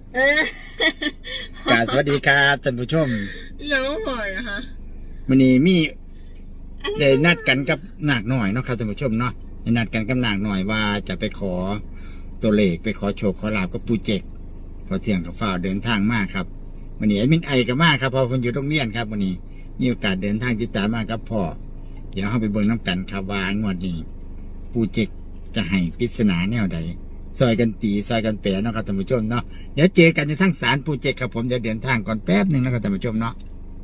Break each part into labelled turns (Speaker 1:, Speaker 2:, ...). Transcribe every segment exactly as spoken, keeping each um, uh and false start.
Speaker 1: เออก
Speaker 2: ราบสวัสดีครับท่านผู้ชม
Speaker 1: ยังไม่พอนะคะ
Speaker 2: วันนี้มีได้นัดกันกับนากหน่อยเนาะครับท่านผู้ชมเนาะได้นัดกันกับนากหน่อยว่าจะไปขอตัวเลขไปขอโชคขอลาบกับปูเจกพอเที่ยงกับฝ้าเดินทางมากครับวันนี้แอดมินไอกับมากครับพอคนอยู่โรงเรียนครับวันนี้มีโอกาสเดินทางติดตามมากครับพ่อเดี๋ยวเราไปเบิ่งน้ำกันครับว่างวดนี้ปูเจกจะให้ปริศนาแนวใดซอยกันตีซอยกันแปรเนาะครับท่านผู้ชมเนาะเดี๋ยวเจอกันในทั้งศาลปูเจกครับผมจะเดินทางก่อนแป๊บหนึ่งนะครับท่านผู้ชมเนาะ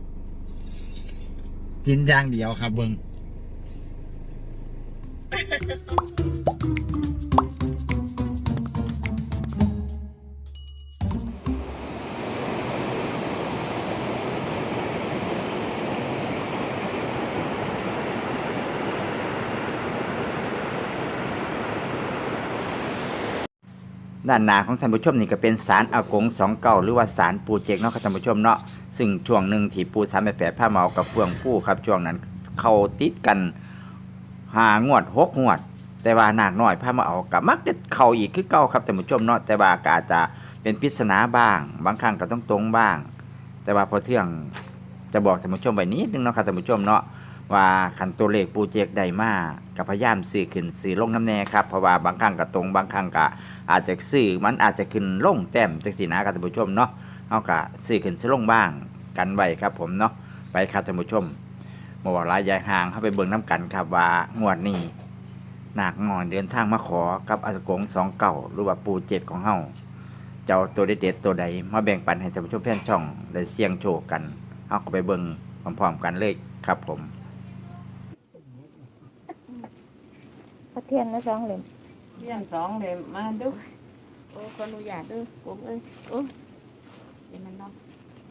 Speaker 2: กินอย่างเดียวครับเบิ้งด้านหน้าของท่านผู้ชมนี่ก็เป็นศาลอากงสองเก้าหรือว่าศาลปูเจกเนาะครับท่านผู้ชมเนาะซึ่งช่วงหนึ่งที่ปูสามแปดแปดผ้าเมากับเฟืองผู้ครับช่วงนั้นเข้าติดกันหางวดหกงวดแต่ว่านาคน้อยผ้ามาเอากับมักจะเข้าอีกคือเก่าครับท่านผู้ชมเนาะแต่ว่าก็อาจจะเป็นปริศนาบ้างบางครั้งก็ต้องตรงบ้าง แต่ว่าพอเที่ยงจะบอกท่านผู้ชมไว้นิดนึงเนาะครับท่านผู้ชมเนาะว่าขันตัวเลขปูเจกได้มากับพยายามซื้อขึ้นซื้อลงน้ำแน่ครับเพราะว่าบางครั้งก็ตรงบางครั้งก็อาจจะซื้อมันอาจจะขึ้นลงแต้มจังสีนะครับท่านผู้ชมเนาะเอากะซื้อขึ้นซื้อลงบ้างกันไว้ครับผมเนาะไปครับท่านผู้ชมมาว่าลายยายห่างเข้าไปเบิ่งน้ำกันครับว่างวดนี้นาคงอนเดินทางมาขอกับอากงสองเก่าหรือว่าปูเจ็ดของเฮาเจ้าตัวเด็ดๆตัวใดมาแบ่งปันให้ท่านผู้ชมแฟนช่องได้เสี่ยงโชคกันเอาก็ไปเบิ่งพร้อมๆกันเลยครับผม
Speaker 3: พระเทียนมาสองเหลี่ยม
Speaker 4: เที่ยงสองเดมมาดู
Speaker 3: โอ้ขออนุญาตด้วยผมเอ้ยโอ้เดี๋ยวมันเนาะ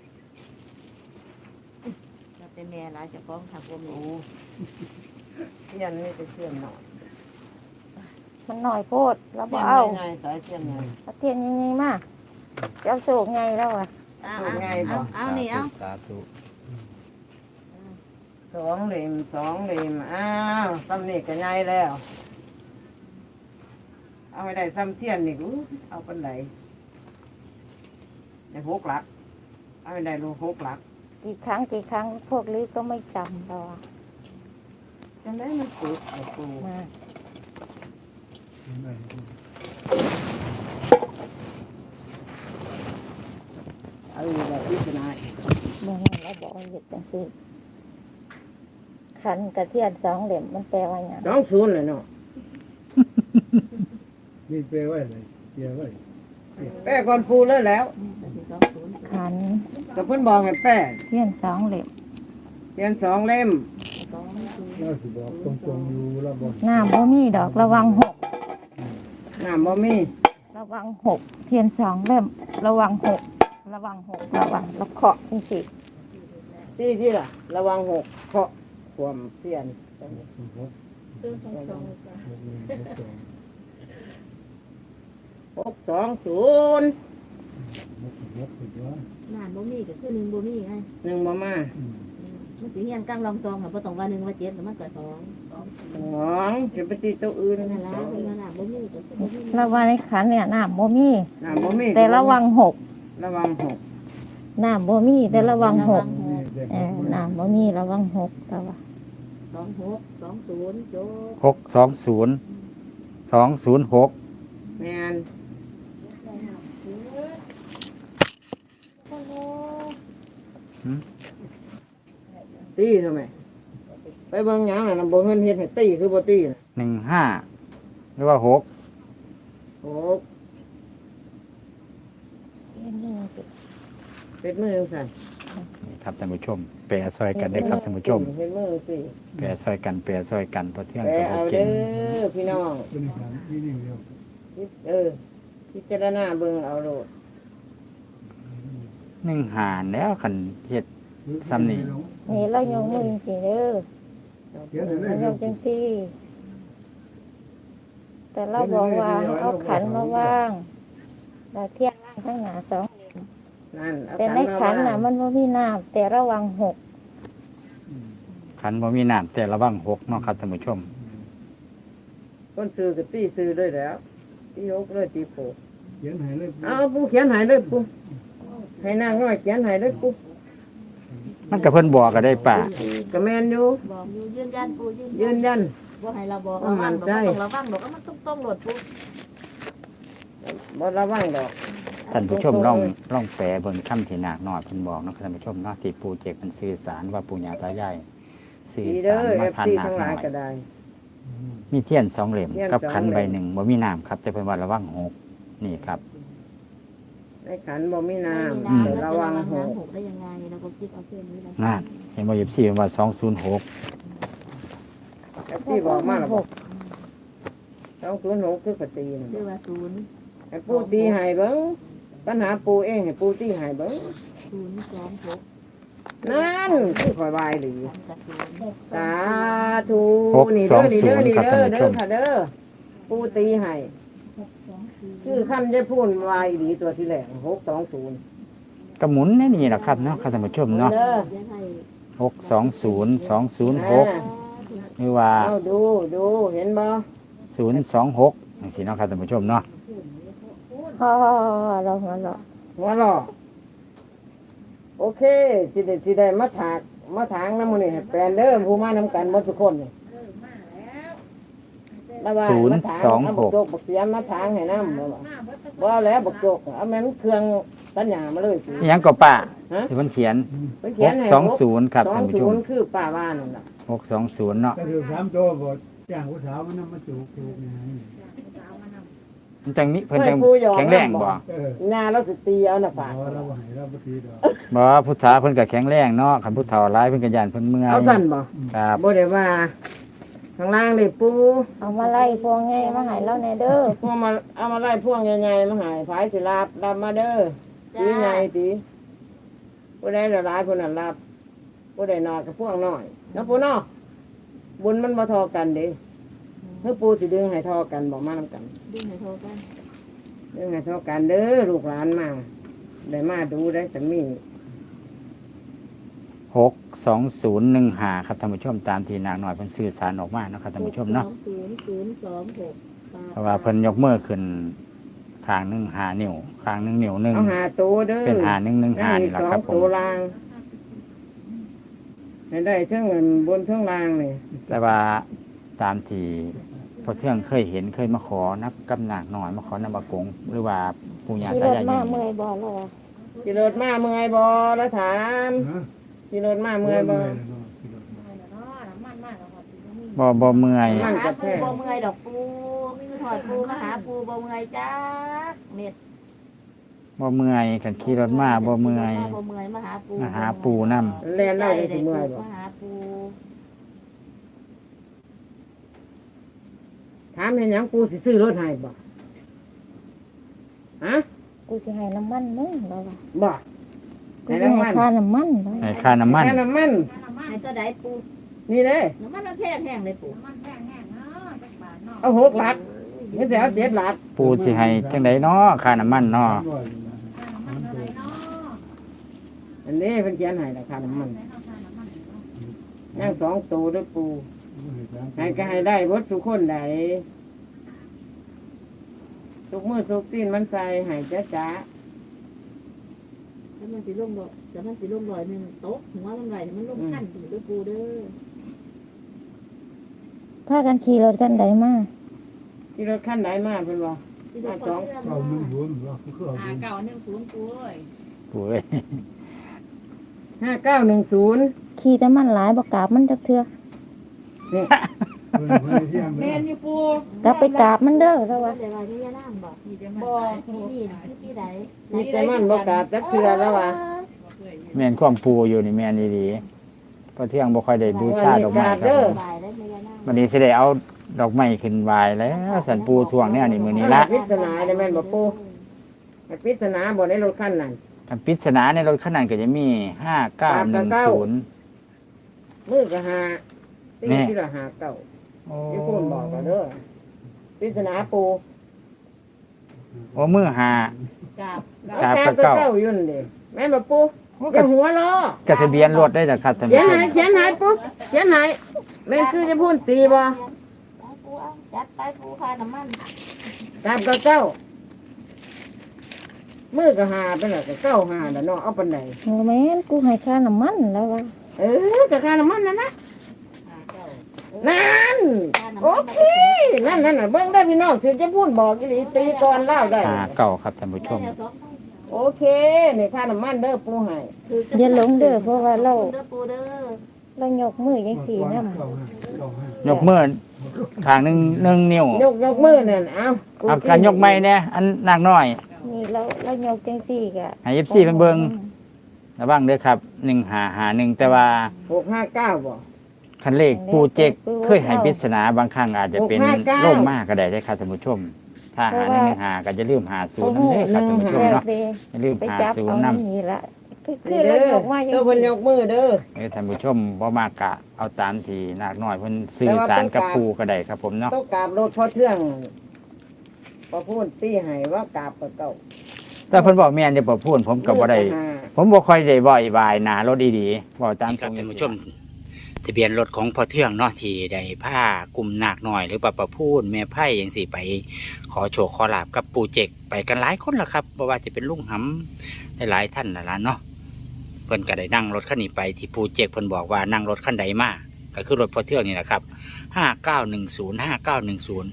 Speaker 3: จะเป็นแม่ละจะฟ้องทางผมเอ
Speaker 4: โอ้
Speaker 3: ง
Speaker 4: เที่ยงนี่จะเที่ยงหน่อย
Speaker 3: มันหน่อยโพดแล้วบ่
Speaker 4: เที่ยง
Speaker 3: เอา
Speaker 4: ไงสายเที่ยงไง
Speaker 3: พระเทียนยังไงมาจะเอาโศกไงแล้วอ่ะ
Speaker 4: สูงไงบ่
Speaker 3: เอานี่เอา
Speaker 2: สาธุ
Speaker 4: สองเดมสองเดมอ้าวซ้ำนี่ก็ไงแล้ว เอาไปได้ซ้ำเที่ยงนี่กูเอาเป็นไหนในหกหลักเอาไปได้รูหกหลัก
Speaker 3: กี่ครั้งกี่ครั้งพวกลือก็ไม่จำเราอะ
Speaker 4: จังได้มันปูไอ้ปู
Speaker 3: มา
Speaker 4: เอาอยู่แบบพิจารณา
Speaker 3: เมื่อนั้นเราบอกหยุดจังสิขันกระเทียนสองเหลี่ยมมันแปลว่าอย่าง
Speaker 4: สองศูนย์เลยเนาะ
Speaker 5: นี่แปลว่าอะไรแปลว่า
Speaker 4: แป้ก่อนปูเลยแล้ว
Speaker 3: ขัน
Speaker 4: กับเพิ่นบอกให้แป้
Speaker 3: เทียนสองเหลี่ยม
Speaker 4: เทียนสองเล่ม
Speaker 5: เราสิบอกตรงๆอยู่แล้วบอก
Speaker 3: น้ำบ่มีดอกระวังหก
Speaker 4: น้ำบ่มี
Speaker 3: ระวังหกเทียนสองเล่มระวังหกระวังหกระวังแล้วเคาะจังสิ
Speaker 4: ที่ที่ล่ะ ระวังหกเคาะความเพียน
Speaker 3: ซื้อทั้งสอง
Speaker 4: หกสองศูนย์
Speaker 3: นานบ่มีก็คือหนึ่งบ่มีไง
Speaker 4: หนึ่งมามา
Speaker 3: มันสิเฮียนกลางลองซองค่ะบ่ต้องว่าหนึ่งว่าเจ็ดแต่มันก็สอง
Speaker 4: สองจะไปตีตัวอื่น
Speaker 3: นั่นล่ะคือว่าน้ำบ่มีก็คือบ่มีระวังในขันเนี่ยน้ำบ่มี
Speaker 4: น้ำบ่มี
Speaker 3: แต่ระวังหก
Speaker 4: ระวังหก
Speaker 3: น้ำบ่มีแต่ระวังหกเออน้ำบ่มีระวังหกระวังสองหกสองศูนย์โจ
Speaker 2: หกสองศูนย์สองศูนย์หก
Speaker 4: แมนตีทำไมไปเบิ่งหยังน่ะนำบ่เงินเฮ็ดให้ตีคือบ่ตีน่ะ
Speaker 2: หนึ่งห้าหรือว่าหก
Speaker 4: หก
Speaker 3: เทียนนี่สิ
Speaker 4: เป็ดมือสั่น
Speaker 2: นี่ครับท่านผู้ชมแปรซอยกันได้ครับท่านผู้ชม
Speaker 4: เฮ็ดมือสิ
Speaker 2: แปรซอยกันแปรซอยกันพอเที่ยง
Speaker 4: แป
Speaker 2: กับ
Speaker 4: เอา
Speaker 2: เก่
Speaker 4: เด้
Speaker 2: ง
Speaker 4: อพี่น้อง
Speaker 5: เป็นขันที่นี่เดียว
Speaker 4: เออพิจารณาเบิ่งเอาโลด
Speaker 2: หนึ่งหารแล้วขันเฮ็ด ซ้ำนี่
Speaker 3: นี่เรายกมือจังสิเด้อ
Speaker 5: เดี๋ยวเดี๋ยว
Speaker 3: เราย
Speaker 5: เดี๋ยว
Speaker 3: กจังสิแต่เราบอกว่าเอาขันมาว่างเราเทียนว่างทั้งหนาสองเหลี่ยม
Speaker 4: นั่นเอา
Speaker 3: แต่ในขันน่ะ
Speaker 4: มา
Speaker 3: มันบ่มีน้ำแต่ระวังหก
Speaker 2: ขันบ่มีน้ำแต่ระวังหกเนาะครับท่านผู้ชม
Speaker 4: คนซื้อก็ตีซื้อด้วยแล้วตีหกเลยตีโผ
Speaker 5: ขียนให้เลย
Speaker 4: เอาปูเขียนให้เลยปูให้นางน้อยเขียนให้เลยปู
Speaker 2: มันก็เพิ่นบอกก็ได้ป่า
Speaker 4: ก็แม่นอยู่
Speaker 3: บอกอยู่ยืนยันปูยืน
Speaker 4: ยืนยัน
Speaker 3: บ่ให้เราบอก
Speaker 4: บ่มั่นใจ
Speaker 3: ระวังดอกมันต้องต้องโหลดปู
Speaker 4: บ่ระวังดอก
Speaker 2: ท่านผู้ชมลองลองแปลเบิ่งคำที่นาคน้อยเพิ่นบอกเนาะท่านผู้ชมเนาะที่ปู่เจกมันสื่อสารว่าปู่ย่าตายายสื่อ
Speaker 4: ดี
Speaker 2: สา
Speaker 4: เด้อ
Speaker 2: ร
Speaker 4: เอ
Speaker 2: มา
Speaker 4: ฟ
Speaker 2: ผ่าน
Speaker 4: ซี
Speaker 2: นาค
Speaker 4: ทั้งห
Speaker 2: น้
Speaker 4: ลา
Speaker 2: อย ย
Speaker 4: ก็ได้
Speaker 2: มีเทียนสองเล่ม
Speaker 4: เทียน
Speaker 2: กับ
Speaker 4: สอง
Speaker 2: ขัน
Speaker 4: เล่ม
Speaker 2: ใบหนึ่งบ่มีน้ำครับแต่เพิ่นว่าระวังหกนี่ครับ
Speaker 4: ในขันบ่มีน้
Speaker 2: อืม
Speaker 4: ำแต่ระวังหก
Speaker 3: หกได้ยังไงเราก็คิดเอาเส้นนี้นะ
Speaker 2: นั่นเห็นบ่ยิบสี่เพิ่นว่าสองศูนย์หก
Speaker 4: เอฟซีบอกมาแล้วบอกสองศูนย์หกคือปฏิน
Speaker 3: เรียกว่าศูนย์
Speaker 4: ให้ปูตีให้เบิ่งปัญหาปูเองให้ปูตีให้เบิ่ง
Speaker 3: ศูนย์สองหก
Speaker 4: นั่นคือคอยวายหรือ
Speaker 3: กับศูนย์
Speaker 4: สาธุนี่เด้อนี่เด้อนี่เด้อเด้อค่ะเด้อปูตีให้คือคำจะพูดวายหรือตัวที่แหลงหกสองศูนย์
Speaker 2: ก็หมุนในนี่แหละครับเนาะท่านผู้ชมเนาะ
Speaker 4: เด้อ
Speaker 3: ยังให้
Speaker 2: หกสองศูนย์สองศูนย์หกหรือว่า
Speaker 4: เอาดูดูเห็นบ่
Speaker 2: ศูนย์สองหกจังซี่เนาะครับท่านผู้ชมเนาะ
Speaker 3: พอเราหัวเราะ
Speaker 4: หัวหลอกโอเคสิได้สิได้มาถากมาถางน้ำมันนี่ให้แปลนเด้อผู้มานำกันหมดทุกคนนี่ระว่า
Speaker 2: ศูนย์สองหก
Speaker 4: บักโจกบักเสียมมาถางให้น้ำบ่ว่าบ่เอาแล้วบักโจกเอาแม่นเครื่องตัญญามาเลยสิ
Speaker 2: อิหยังก็ป้า
Speaker 4: ฮะ
Speaker 2: ที่เพิ่นเขียน
Speaker 4: ไปเขียนให้
Speaker 2: หกสองศูนย์ครับ
Speaker 4: สอ
Speaker 2: ท่าง นผู้ช
Speaker 4: ศู
Speaker 2: ม
Speaker 4: นย์คือป้าว่านั่นล่ะ
Speaker 2: หกสองศูนย์เนาะ
Speaker 5: ก็ถือสามตัวบ่จ้างผู้สาวมันนำมาจูบจูบไง
Speaker 2: มันจังนี้เพิ่นจังแข็งแรงบ่
Speaker 5: เออ
Speaker 4: หน้าเราสิตีเอาน่ะฝาก
Speaker 5: บ่เราบ่ให้เราบ่ตีดอก
Speaker 2: บ่พุทธาเพิ่นก็แข็งแรงเนาะคันพุทธาหลายเพิ่นก็ย่านเพิ่นเมื่อย
Speaker 4: เอาสั่นบ่
Speaker 2: ครับ
Speaker 4: บ่ได้ว่าข้างล่างนี่ปู
Speaker 3: เอามาไล่พวงไงมาให้เราในเด้อ
Speaker 4: พวกมาเอามาไล่พวงใหญ่ๆมาใหายผายสิรับรับมาเด้อตีใหญ่ตีผู้ใดละหลายผู้นั้นรับผู้ใดน้อยก็พวงน้อยเนาะปูเนาะบุญมันบ่เทอกันเด้เฮ้อปูสิดึงให้เทอกันบ่มานำกัน
Speaker 3: ดึงให้โทรกัน
Speaker 4: ดึงให้เทอกันเด้อลูกหลานมาได้มาดูได้แต่มี
Speaker 2: หกสองศูนย์หนึ่งห้าครับท่านผู้ชมตามที่นางน้อยเพิ่นสื่อสารออกมาเนาะครับท่านผู้ชมเนาะ
Speaker 3: ศูนย์ศูนย์สองหก
Speaker 2: เพราะว่าเพิ่นยกมือขึ้นข้างหนึงห้านิ้วข้างหนึงนิ้วหนึง
Speaker 4: เอาหาตัวเด้อ
Speaker 2: เป็นห้าหนึ่งหนึ่งห้า
Speaker 4: ได้
Speaker 2: นี่แหละ
Speaker 4: สอ
Speaker 2: ครั
Speaker 4: ง
Speaker 2: บผ
Speaker 4: ตัว
Speaker 2: ม
Speaker 4: ลางให้ได้เท่งเงินบนเท่งลางนี่
Speaker 2: แต่ว่าตามที่พอเที่ยงเคยเห็นเคยมาขอนับกับนางน้อยมาขอนำบากงหรือว่าปู่ย่า
Speaker 3: ขี่ร
Speaker 2: ตา
Speaker 3: ถ
Speaker 2: ยาย
Speaker 3: มา
Speaker 2: อยู่
Speaker 3: เมื่อยบ่เราอะ
Speaker 4: ขี่รถมาเมื่อยบ่แล้วถาม
Speaker 5: ฮะ
Speaker 4: ขี่รถมาเมื่อยบ่
Speaker 2: บ่บ่เมื่อย
Speaker 4: นั่
Speaker 3: มาง หาปูบ่เมื่อยดอกปูคือถอดปูมาหาปูบ่เมื่อยจ้าเม็ด
Speaker 2: บ่เมื่อยกันขี่รถมาบ่เมื่อย
Speaker 3: บ่เมื่อยมาหาปู
Speaker 2: มาหาปู่นำ
Speaker 4: แล่นเล่าได้สิเมื่อยบ่
Speaker 3: มาหาปู
Speaker 4: ถามเห็นหยังกูสิซื้อรถให้บ่ฮะ
Speaker 3: กูสิให้น้ำมันมึงเราอะ
Speaker 4: บ่
Speaker 3: กูสิให้ค่าน้ำมันเรา
Speaker 2: ให้ค่าน้ำมัน
Speaker 4: แค่น้ำมัน
Speaker 3: ให้ตัวใดปู
Speaker 4: นี่เด้
Speaker 3: น้ำมันมันแพงแห้งเลยปู
Speaker 4: เอาหกหลักนี่สิเอาเจ็ดหลัก
Speaker 2: ปู่สิให้จังไดเนาะค่าน้ำมันเนาะ
Speaker 4: อันนี้เพิ่นเขียนให้ราคาน้ำมันย่างสองตัวเด้วยปูให้ก็ให้ได้เบิดสุคนใดทุกมือสุกตีนมันใส่ให้จ้าจ้า
Speaker 3: แล้วมันสิลงบ่แต่มันสิลงลอยหนึงโต๊ะหัวมันไหวมันลงขั้นถึงด้วยปูเด้อพากันขี่รถกันใดมา
Speaker 4: ที่รถขั้นไหนมาเพิ่นว่า มาสอง
Speaker 5: เก้าหนึ่งศูนย์บ่คือเอาศูนย์
Speaker 3: เก่าหนึ่งศูนย์ปูเอ้ย
Speaker 2: ปู่เอ้ย
Speaker 4: ห้าเก้าหนึ่งศูนย์
Speaker 3: ขี่แต่มันหลายบ่กราบมันจักเทื่อ
Speaker 5: เพิ่นเพิ่นเที่ยง
Speaker 4: แม่
Speaker 5: เด้อ
Speaker 4: นอยู่ปู
Speaker 3: กลับไปกราบมันเด้อแล้วว่าแต่ว่าที่ยาล่างบอกบ่นี่คือที่ใด
Speaker 4: มีแต่มันบ่กราบจักเทื่อแล้วว่า
Speaker 2: แม่นความปู่อยู่นี่แม่นดีๆพอเที่ยงบ่ค่อยได้บูชาดอกไม้ครับผม
Speaker 3: บายได้ที่ยาล่าง
Speaker 2: วันนี้สิได้เอาดอกไม้ขึ้นไหว้แล้วสันปู่ทวงแนวนี้มื้อนี้ละ
Speaker 4: ปริศนาได้แม่นบ่ปูให้ปริศนาบ่ในรถคันนั้น
Speaker 2: อันปริศนาในรถคันนั้นก็จะมีห้าเก้าหนึ่งศูนย์
Speaker 4: มือก็หาตี
Speaker 2: แน่
Speaker 4: ที่ละหาเก้า
Speaker 2: โอ้
Speaker 4: ที่พูนบอกก็เด้อปริศนาปู
Speaker 2: โอ้มือหา
Speaker 3: กราบ
Speaker 2: กราบ
Speaker 4: ก
Speaker 2: กับเก้า
Speaker 4: เก้าอยู่นั่นดิแม่นบ่ปูอย่าหัวล้อก
Speaker 2: ระทะเบียนรถได้จ้ะครับท่าน
Speaker 4: เขีย
Speaker 2: ผู้
Speaker 4: น
Speaker 2: ช
Speaker 4: ให้
Speaker 2: ม
Speaker 4: เขียนให้ปูเขียนให้แม่นคือจะพูนตีบ่
Speaker 3: ปูเอาจัดไปปูค่าน้ำมัน
Speaker 4: กราบเก้าเก้ามือก็หาไปแล้วก็เก้าหาแล้วเนาะเอาปานใด
Speaker 3: โอ้แม่นกูให้ค่าน้ำมันแล้ววะ
Speaker 4: เออก็ค่าน้ำมันนั่นนะนั่นโอเคนั่นนั่นน่ะเบิ่งได้พี่น้องถึงจะพูดบอกอีหลีตีก่อนเล่าได้
Speaker 2: หาเก้าครับท่านผู้ชม
Speaker 4: โอเคนี่ค่าน้ำมันเด้อปูให้
Speaker 3: อย่าหลงเด้อเพราะว่าเราเรายกมือจังซี่นำ
Speaker 5: เก้าห้าเก้าห้าย
Speaker 2: กมือข้างหนึงหนึ่งนิ้วย
Speaker 4: กยกมือนั่นเอา
Speaker 2: เอาการยกไม้เนี่ยอันนากน้อย
Speaker 3: นี่เราเรายกจังซี่ก็
Speaker 2: ให้ เอฟ ซี เพิ่นเบิ่งระวังเด้อครับหนึ่งหาหาหนึ่งแต่ว่า
Speaker 4: หกห้าเก้าบ่
Speaker 2: คันเลขปูเจกเคยให้ปริศนาบางครั้งอาจจะเป็น
Speaker 4: หกห้าเก้า
Speaker 2: ล่มมากก็ได้ได้อครับท่านผู้ชม ถ้าหาหนึ่งหนึ่งหาก็จะลืมหาศูนย์นั่นเด้อครับท่านผู้ชม
Speaker 3: แล้ว
Speaker 2: เนาะ
Speaker 3: แต่
Speaker 2: อย่าลืม
Speaker 3: ไป
Speaker 2: หา
Speaker 3: จับ
Speaker 2: ศูน
Speaker 3: เอา
Speaker 2: ย์นำ
Speaker 3: นี่ละคือคือเรายกมาจัง
Speaker 4: เด้อเพิ่น
Speaker 3: ซี่
Speaker 4: ยกมือเด้อ
Speaker 2: เออท่านผู้ชมบ่มากกะเอาตามที่นากน้อยเพิ่นสื่อสารกับปูก็ได้ครับผมเนาะ
Speaker 4: ต้องกราบรถพอเทื่องพอพูดตีให้ว่ากราบก็เก่า
Speaker 2: แต่เพิ่นบอกแม่นจะบ่พูดผมก็บ่ได้ ผมบ่ค่อยได้บ่อยบายหน้ารถดีๆบ่ตามตรงท่านผู้ชมทะเบียนรถของพ่อเทืองเนาะที่ได้พากลุ่มนาคน้อยหรือปะประพูนแม่ไผ่จังซี่ไปขอโชคขอลาบกับปู่เจกไปกันหลายคนล่ะครับบ่ว่าจะเป็นลุงหำหลายๆท่านนั่นล่ะเนาะเพิ่นก็ได้นั่งรถคันนี้ไปที่ปู่เจกเพิ่นบอกว่านั่งรถคันใดมาก็คือรถพ่อเทืองนี่แหละครับห้าเก้าหนึ่งศูนย์ ห้าเก้าหนึ่งศูนย์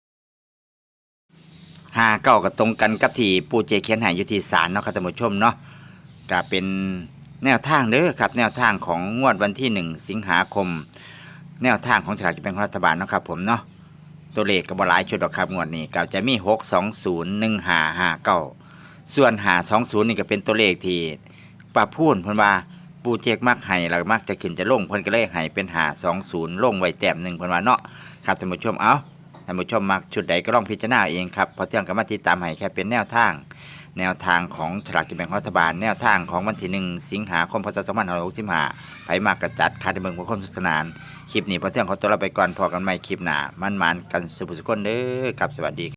Speaker 2: ห้าเก้าก็ตรงกันกับที่ปู่เจเขียนให้อยู่ที่ศาลเนาะครับท่านผู้ชมเนาะก็เป็นแนวทางเด้อครับแนวทางของงวดวันที่หนึ่งสิงหาคม แนวทางของสลากกินแบ่งรัฐบาลเนาะครับผมเนาะตัวเลขก็บ่หลายชุดหรอกครับงวดนี้ก็จะมีหกสองศูนย์หนึ่งห้าห้าเก้าส่วนห้าสองศูนย์นี่ก็เป็นตัวเลขที่ป้าพูนเพิ่นว่าปู่เจกมักให้แล้วก็มักจะขึ้นจะลงเพิ่นก็เลยให้เป็นห้าสองศูนย์ลงไว้แต้มหนึ่งเพิ่นว่าเนาะครับท่านผู้ชมเอ้า ท่านผู้ชมมักชุดใดก็ลองพิจารณาเองครับเพราะเที่ยงกับมาติดตามให้แค่เป็นแนวทาง แนวทางของสลากกินแบ่งรัฐบาลแนวทางของวันที่หนึ่งสิงหาคมพศสองพันห้าร้อยหกสิบห้าไผมากกระจัดคาดเมืองผู้คนสุขสนานคลิปนี้พอเที่ยงขอตัวเราไปก่อนพอกันใหม่คลิปหน้ามันๆกันสุขสุขคนเด้อครับสวัสดี